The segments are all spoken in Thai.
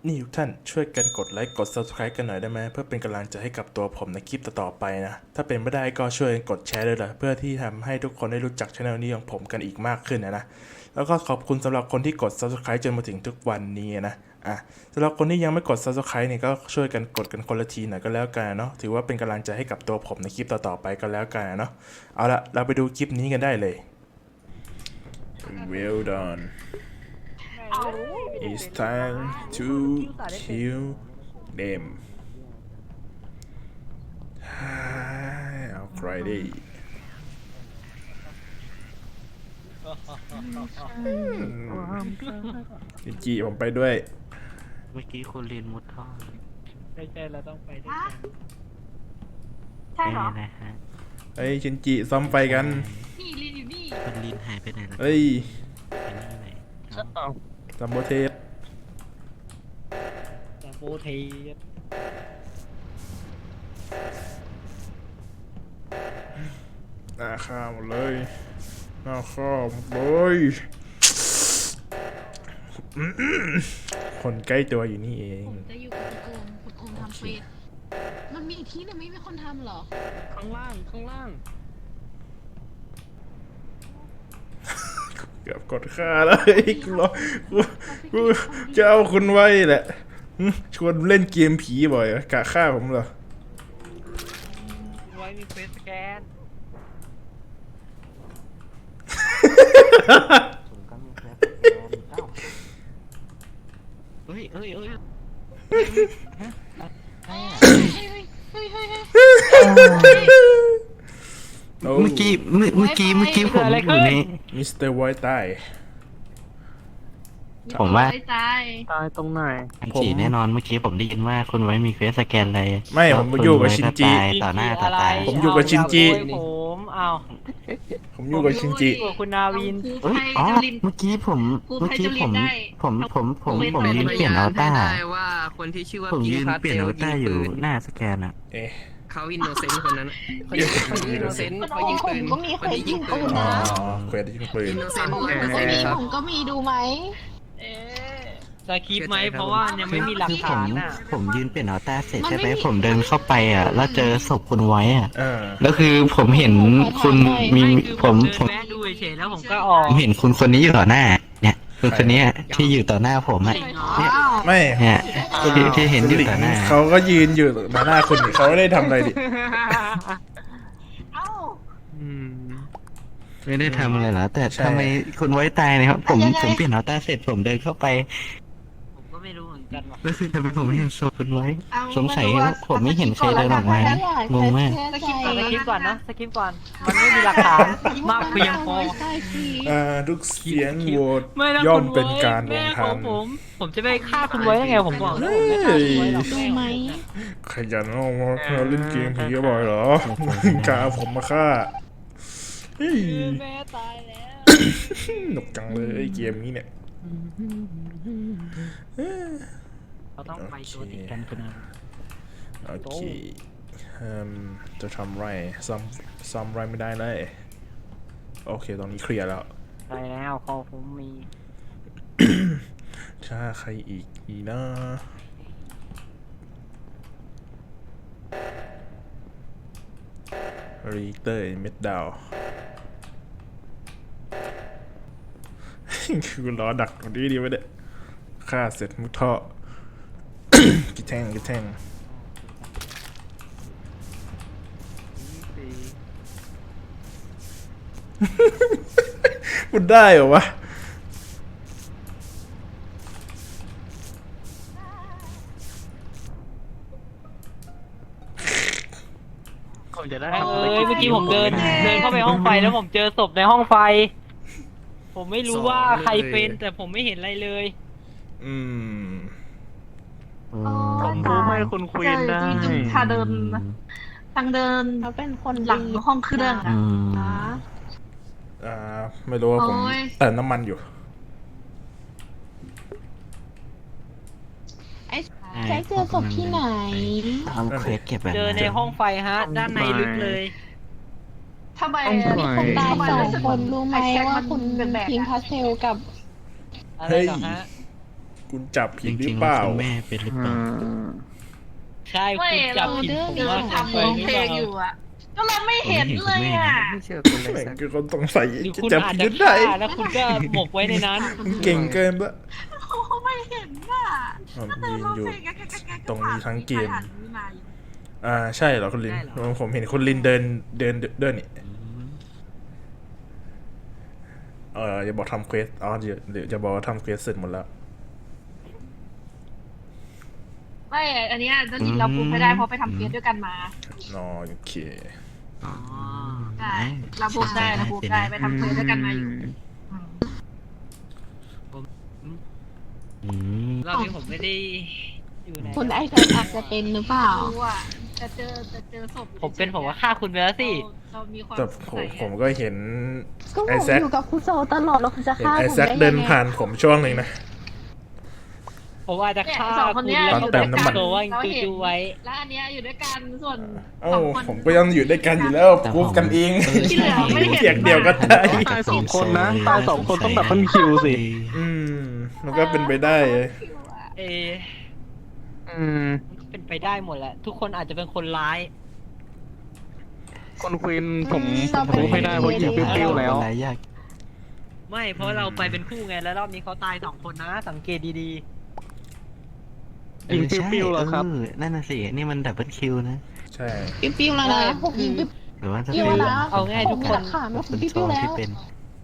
นี่ทุกท่านช่วยกันกดไลค์กด Subscribe กันหน่อยได้ไหมเพื่อเป็นกำลังใจให้กับตัวผมในคลิปต่อๆไปนะถ้าเป็นไม่ได้ก็ช่วยกดแชร์ด้วยล่ะเพื่อที่ทำให้ทุกคนได้รู้จักช่องนี้ของผมกันอีกมากขึ้นนะแล้วก็ขอบคุณสำหรับคนที่กด Subscribe จนมาถึงทุกวันนี้นะสำหรับคนที่ยังไม่กด Subscribe เนี่ยก็ช่วยกันกดกันคนละทีหน่อยก็แล้วกันเนาะถือว่าเป็นกำลังใจให้กับตัวผมในคลิปต่อๆไปก็แล้วกันเนาะเอาละเราไปดูคลิปนี้กันได้เลย Well done It's time to kill them เอาใครดีจีผมไปด้วยเมื่อกี้คุณลินมุดท่อใช่เราต้องไปด้วยกันใช่เหรอนะฮะเฮ้ยชินจิซ้อมไฟกันนี่ลินอยู่นี่คุณลินหายไปไหนแล้วเฮ้ยไปนี่ไหนซัมโบเทสแต่โบเทสหน้าข้าวหมดเลยหน้าข้าวหมดเลยคนใกล้ตัวอยู่นี่เองผมจะอยู่กับคุณโอมทำเฟสมันมีอีกที่หนึงไม่มีคนทำเหรอข้างล่างข้างล่างเกือบกดฆ่าแล้วเฮ้ยกูจะเอาคุณไว้แหละชวนเล่นเกมผีบ่อยกะฆ่าผมเหรอไว้มีเฟสสแกนผมก็มีแฟนเอ้าเฮ้ยเฮ้ยเฮ้ยเฮ้ยเฮ้ยเฮ้ยเฮ้ยเมื่อกี้ผมอยู่ในมิสเตอร์ไวท์ตายผมว่าตายตายตรงไหนฉีแน่นอนเมื่อกี้ผมได้ยินว่าคุณไว้มีเฟซสแกนเลยไม่ผมอยู่กับชินจิต่อหน้าต่อตาผมอยู่กับชินจิผมเอาผมอยู่กับชินจิอยู่กับคุณนาวินกูเอ้ยไทยอ๋อจุลินเมื่อกี้ผมกูไทยจุลินได้ผมยืนเปลี่ยนอัลต้าได้ว่าคนที่ชื่อว่าผมยืนพิงค์พาสเปลี่เทยนลอัลยิต้าง อยู่ปืนหน้าสแกนอะเอ๊ะเขาอินโนเซนต์คนนั้นเขายิงอินโนเซนต์เขายิงปืนก็มีคนยิงปืนอ๋อนะเควสยิงปืนอินโนเซนต์ผมใช่ก็มีครับผมก็มีดูไหมสคริปต์ไหมเพราะว่ายังไม่มีหลักคือฐานน่ะผมยืนเปลี่ยนอัลต้าเสร็จใช่ไหมผมเดินเข้าไปอ่ะแล้วเจอศพคุณไว้อ่ะ แล้วคือผมเห็นคุณมีไม่คือผมเดินแวะดูเฉยๆแล้วผมก็ออกผมเห็นคุณคนนี้อยู่ต่อหน้า เนี่ยคุณคนนี้ที่อยู่ต่อหน้าผมอ่ะเนี่ยไม่เนี่ยที่เห็นอยู่ต่อหน้าเขาก็ยืนอยู่ต่อหน้าคุณนี่เขาไม่ได้ทำอะไรดิเอ้าอืมไม่ได้ทำอะไรเหรอแต่ใช่ทำไมคุณไว้ตายนะครับผมเปลี่ยนอัลต้าเสร็จผมเดินเข้าไปผมก็ไม่รู้เหมือนกันว่ะแล้วคือทำไมผมไม่เห็นศพคุณไว้เอาสงสัยว่าผมไม่เห็นใครเดินออกมานะงงมากสกิปสคริปต์ก่อนนะสคริปต์ก่อน มันไม่มีหลักฐานมากเพียงพอทุกเสียงโหวตไม่นะย่อมคุณเป็นการลแม่งขทัองนผมจะไปฆ่าคุณไว้ได้ไงผมบอกแล้วผมไม่ฆ่าคุณไว้หรอกดูไหมขยันเอามาเล่นเกมผีบ่อยเหรอกาผมมาฆ่าเฮ้ยแม่ตายแล้วหนุกจังเลยเกมนี้เนี่ยเราต้องไปตัวติดกันคุณอาโอเคจะทำไรซ้ำไรไม่ได้เลยโอเคตรงนี้เคลียร์แล้วไปแล้วพอผมมีถ้าใครอีกนะรีเตอร์เม็ดดาว คือล้อดักตรงนี้ดีไว้เด้ฆ่าเสร็จมุดท่อ กิแทงมันได้เหรอวะผมจะได้เมื่อกี้ผมเดินเข้าไปห้องไฟแล้วผมเจอศพในห้องไฟ ผมไม่รู้ว่าใครเป็นแต่ผมไม่เห็นอะไรเลยอืมผมรู้ให้คุณคุยกันได้จริงๆถ้าเดินทางเดินเขาเป็นคนหลังห้องเครื่องอือ่ะมไม่รู้ว่าผมโอ้ยเติมน้ำมันอยู่ใช้เจอศพที่ไหนทำเควสเก็บแบบเจอในห้องไฟฮะ ด้านในลึกเลยทำไมมีคนตาย2 คนรู้ไหมไอ้แจ็คว่ามันคุณเป็นแบบพิงค์พาสเทลกับอะไรเหรอฮะกูคุณจับผิจดหรืริอง เปๆแล้วล่าคุณแม่เป็นหรือเปล่าใช่ไม่คุณจัเราบผิดผมเดินว่าทำร้องเพลงอยู่อ่ะก็เราไม่เห็นเลยอ่ะไม่เชื่อคุณเลยแม่งสักคือคนสงสัยหรือจะคุณจับอาจผิดจะได้ฆ่าแล้วคุณก็หมกไว้ในนั้นเก่งเกินปะเขาไม่เห็นอ่ะผมก็เดิยืนนร้องอยู่เพลงแกะตรงนี้ทั้งเกมผ่านนี้มาอยู่ใช่เหรอคุณลินได้เหรอผมเห็นคุณลินเดินนี่อย่าบอกทำเควสเดี๋ยวจะบอกว่าทำเควสเสร็จหมดแล้วไม่อันเนี้ยจะลินเราพูดไม่ได้เพราะไปทำเกสด้วยกันมาโอเคอ๋อใช่เราพูดได้ไปทำเกสด้วยกันมาอยู่อืมรอบนี้ผมไม่ได้อยู่ในคุณไอแพดอาจจะเป็นหรือเปล่ารู้อ่ะจะเจอศพผมเป็นผมว่าฆ่าคุณไปแล้วสิเรามีความแต่สงผสัมยผมก็เห็นก็ผไอมแซคอยู่กับคุณโซตลอดแล้วคุณจะเห็นฆ่าไอผมแซคได้เดินยังไงผ่านผมช่วงหนึ่งนะผมอาจจะฆ่าสองคนคุณเนี้ยแล้วอยู่เติด้วยมกัน้ำมันนตัวว่าเราเห็นจูๆไว้แล้วอันเนี้ยอยู่ด้วยกันส่วนเอ้าสองคนผมก็ยังอยู่ด้วยกันอยู่แล้วพูดกันเองที่เหลือไม่เห็นเสียงเดียวก็ได้ตายสองคนนะตายสองคนต้องดับเบิลคิวสิมันก็เป็นไปได้เออืมมันเป็นไปได้หมดแหละ ทุกคนอาจจะเป็นคนร้ายคนควีนผมรู้ไม่ได้เพราะยิงปิ้วๆแล้วหลายอย่างไม่เพราะเราไปเป็นคู่ไงแล้วรอบนี้เขาตาย2 คนนะ สังเกตดียิงปิ้วๆแล้วครับนั่นน่ะสินี่มันดับเบิลคิวนะใช่ปิ้วๆแล้วนะผมยิงปิ้วหรือว่าจะปิ้วเป็นแล้วนะเอาง่ายทุกคนขาดแล้วคุณปิ้โซวๆแล้ที่วเป็น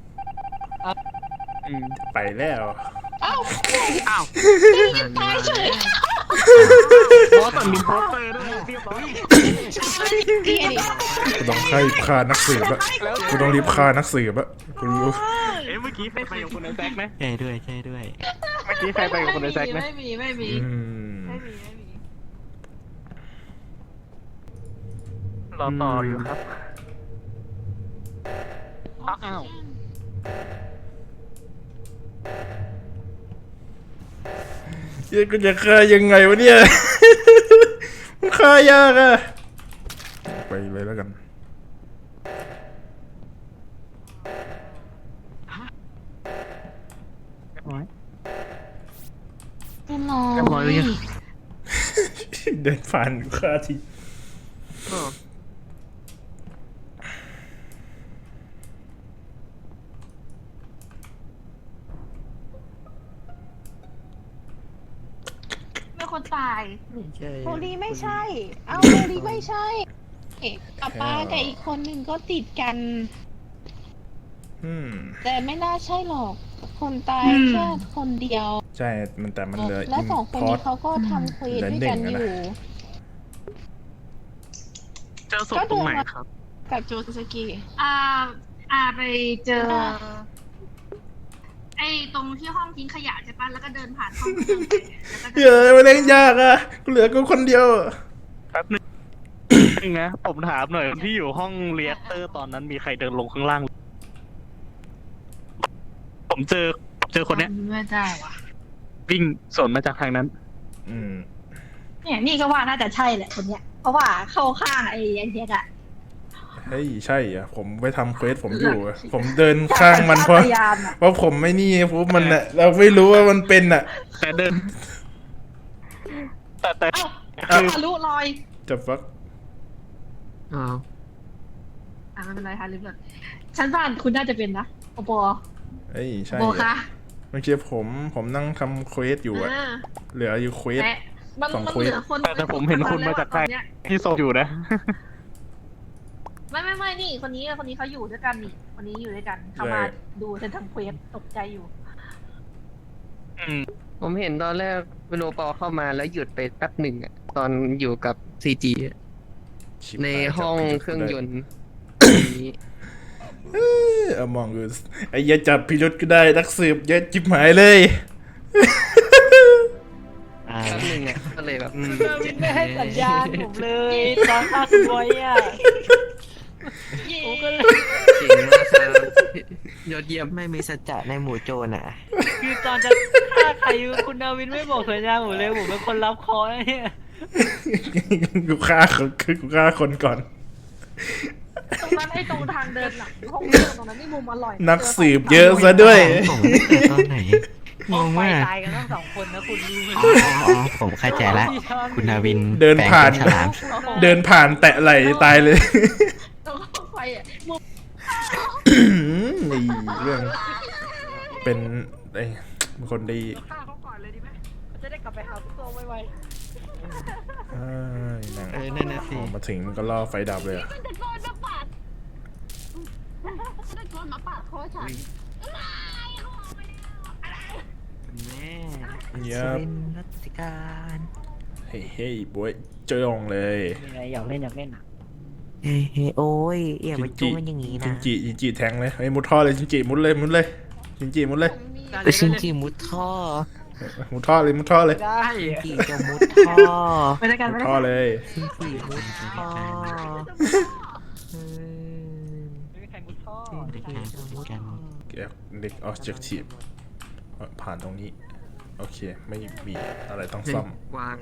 อืมไปแล้วอ้าวตายเฉยเพราะแต่มีโปสเตอร์ด้วยเรียบร้อยเกลียดกูต้องฆ่านักสืบอะกูต้องรีบฆ่านักสืบอะกูรู้เอ๊ะเมื่อกี้ใครไปกับคุณไอแซคไหมใช่ด้วยใช่ด้วยเมื่อกี้ใครไปกับคุณไอแซคไหมไม่มีอืมรอต่ออยู่ครับอ้าวเฮ้ยกูจะฆ่ายังไงวะเนี่ย มันฆ่ายากอะไปเลยแล้วกันแน่นอนเรียบร้อยเลยยังเดินผ่านกูฆ่าทีไม่คนตายโฮลีไม่ใช่ เอ้าโฮลีไม่ใช่กับป้ากับอีกคนหนึ่งก็ติดกันอืมแต่ไม่น่าใช่หรอก คนตายแค่คนเดียวใช่แต่มันเหลือแล้วสองคนพอนี้ร์ตเขาก็ทำเควสด้วยกันอยู่เจอศพตรงไหนครับกับโจสกิไปเจอ ไอ้ตรงที่ห้องทิ้งขยะใช่ปะแล้วก็เดินผ่านห้องไปแล้วก็เฮ้ยมันเล่นยากอะกูเหลือกูคนเดียวอะแป๊บนึงนะผมถามหน่อยที่อยู่ห้องเรียกเตอร์ตอนนั้นมีใครเดินลงข้างล่าง ผมเจอคนเนี้ยไม่ได้ว่ะวิ่งสวนมาจากทางนั้นอืมเนี่ยนี่ก็ว่าน่าจะใช่แหละคนเนี้ย เพราะว่าเข้าข้างไอ้เด็กอะเฮ้ยใช่อ่ะผมไปทำเควสผมอยู่อะผมเดินข้างมันเพราะพยายามอะเพราะผมไม่นี่ปุ๊บมันอะเราไม่รู้ว่ามันเป็นอะแต่เดิน แต่เอ้าทะลุรอยจะฟักอ๋อไม่เป็นไรค่ะลืมเลยฉันว่าคุณน่าจะเป็นนะโอปอเฮ้ยใช่โบคะอะเมื่อกี้ผมนั่งทำเควสอยู่อะเหลืออยู่เควสแต่มันสองมันเควสเหลือคนแต่ผมเห็นคุณมาจากใกล้ตอนเนี้ยที่โซอยู่นะไม่นี่คนนี้เขาอยู่ด้วยกันนี่คนนี้อยู่ด้วยกันเขามาดูฉันทำเควสตกใจอยู่ผมเห็นตอนแรกเวโรปอเข้ามาแล้วหยุดไปแป๊บหนึ่งอะตอนอยู่กับซีจีชิบในหายห้องจับเครื่องยนต์นี้มองกูไอ้เหี้ยจับพิรุษก็ได้นักสืบเยอะจิบหายเลยอ่าแป๊บหนึ่งอะก็เลยแบบไม่ให้สัญญาณผมเลยตอนฆ่าคุณไว้อะผมก็เลยเก่งมากครับยอดเยี่ยมไม่มีสัจจะในหมู่โจรอ่ะคือตอนจะฆ่าใครคุณนาวินไม่บอกสัญญาณผมเลยผมเป็นคนรับคอนะเนี่ยกูฆ่าคนก่อนตรงนั้นไอ้ตรงทางเดินหลังห้องเครื่องตรงนั้นนี่มุมอร่อยนักสืบเยอะซะด้วยผมไม่เกิดตอนไหนห้องงไฟมากตายกันทั้งสองคนนะคุณรู้ไหมอ๋อผมเข้าใจละคุณนาวินเดินผ่านแปลงเป็นฉลามเดินผ่านแตะไหลตายเลยตรงห้องไฟอ่ะมุมนี่เรื่องเป็นไอ้คนดีฆ่าเขาก่อนเลยดีไหมจะได้กลับไปหาตัวไวหนังนั่นน่ะสิมาถึงมันก็ล่อไฟดับเลยอะมันตะโกนมาปาดตะโกนมาปาดคอฉันแม่เงียบเป็นรัชการเฮ้ยเฮ้ยบวยเจอองเลยๆมีอะไรอยากเล่นอ่ะเฮ้ยโอ้ยอย่ามาจุ้งกันอย่างนี้จินะนจิแทงเลยไอ้ยมุดท่อเลยจินจิมุดเลยจินจิมุดเลยแต่ชินจิมุดท่อมุดท่อเลยได้จิจะมุดท่อไปด้วยกันมุไปดด้วยท่อกันเลยชินจิมุดท่อไม่มีใครมุดท่อเด็กๆจะมุดกันเด็กออบเจกทีฟผ่านตรงนี้โอเคไม่มีอะไรต้องซ่อมวาง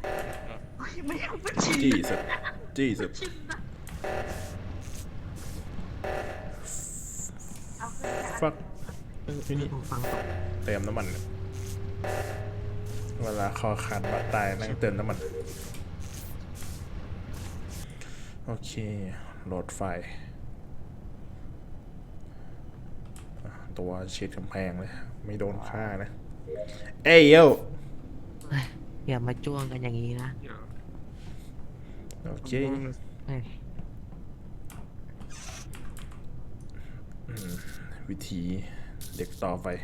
จี้สุดฟักที่นี่ฟังตกเติมน้ำมันเนี่ยเวลาคอขาดบาดตายนั่งเติมน้ำมันโอเคโหลดไฟล์ตัวเช็ดกำแพงเลยไม่โดนฆ่านะเอ้ยโยอย่ามาจ้วงกันอย่างนี้นะโอเคเฮ้ยวิธีเด็กต่อไป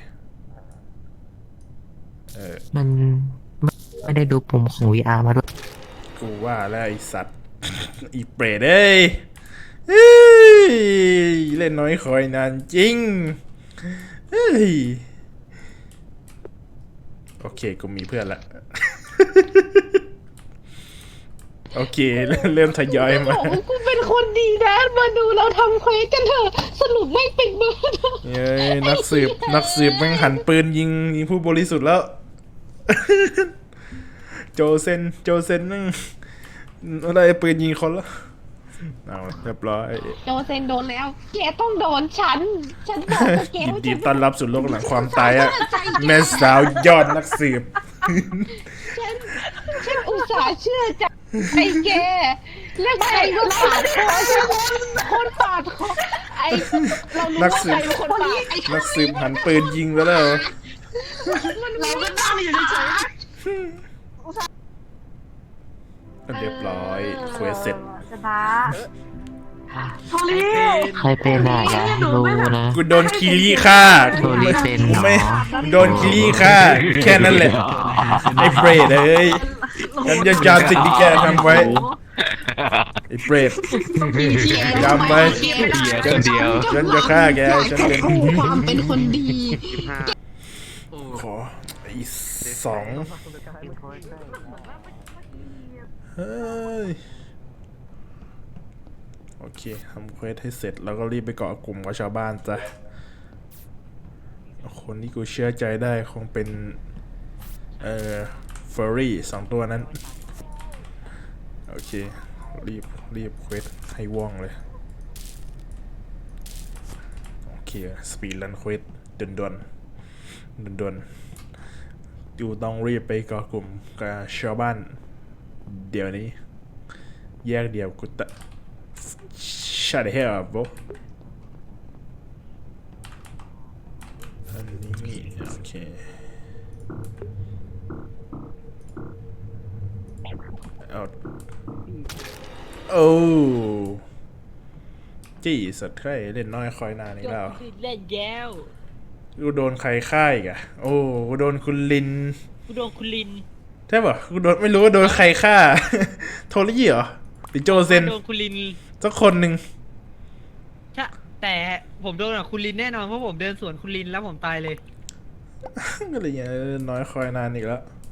มันไม่ได้ดูปุ่มของ VR มาด้วยกูว่าแล้วไอสัตว์ อีเปรตเอ้ยเล่นน้อยคอยนานจริงเฮ้ยโอเคกูมีเพื่อนละ โอเคเริ่มทยอยมาบอกว่ากูเป็นคนดีนะมาดูเราทำเควสกันเถอะสรุปไม่เป็นเบอร์เย้ยนักสืบแม่งหันปืนยิงผู้บริสุทธิ์แล้ว โจเซนนั่งอะไรปืนยิงคนแล้วเอาเรียบร้อยโดนเซนโดนแล้วแกต้องโดนฉันบอกกับแกยินว่าดีฉันต้อนรับสู่โลกหลังความตายอะแม่สาวยอดนักสืบฉันอุตส่าห์เชื่อใจไอ้แกแล้วใครก็ปาดคอฉันคนปาดคอไอ้เรารู้ว่าใครเป็นคนปาดไอ้นักสืบหันปืนยิงแล้วเหรอเราก็นั่งอยู่เฉยเรียบร้อยเควสเสร็จชนะโทลี่ใครเป็นอ่ะอย่าให้รู้นะกูโดนคิริฆ่าโทรีเป็นเหรอไม่โดนคิริฆ่าแค่นั้นแหละไอ้เปรตเอ้ยฉันจะจำสิ่งที่แกทำไว้ไอ้เปรตจำไว้คนเดียวฉันจะฆ่าแกฉันเป็นความเป็นคนดีขออีกสองเฮ้ยโอเคทำเควสให้เสร็จแล้วก็รีบไปเกาะกลุ่มกับชาวบ้านจ้ะคนที่กูเชื่อใจได้คงเป็นเฟอร์รี่สองตัวนั้นโอเครีบเควสให้ว่องเลยโอเคสปีดรันเควสด่วนอยู่ต้องรีบไปเกาะกลุ่มกับชาวบ้านเดี๋ยวนี้แยกเดียวกูตะ Shut the hell up bro อันนี้โอเคเอาโอ้จี้สัตว์ใครเล่นน้อยคอยนานอีกแล้วเล่นแย้วกูโดนใครฆ่าอีกอะโอ้กูโดนคุณลินกูโดนคุณลินใช่ป่ะกูโดนไม่รู้ว่าโดนใครฆ่า โทรี่เหรอหรือโจเซนโดนคุณลินสักคนหนึ่งใช่แต่ผมโดนกับคุณลินแน่นอนเพราะผมเดินสวนคุณลินแล้วผมตายเลยก็เลยเนี่ยน้อยคอยนานอีกแล้ว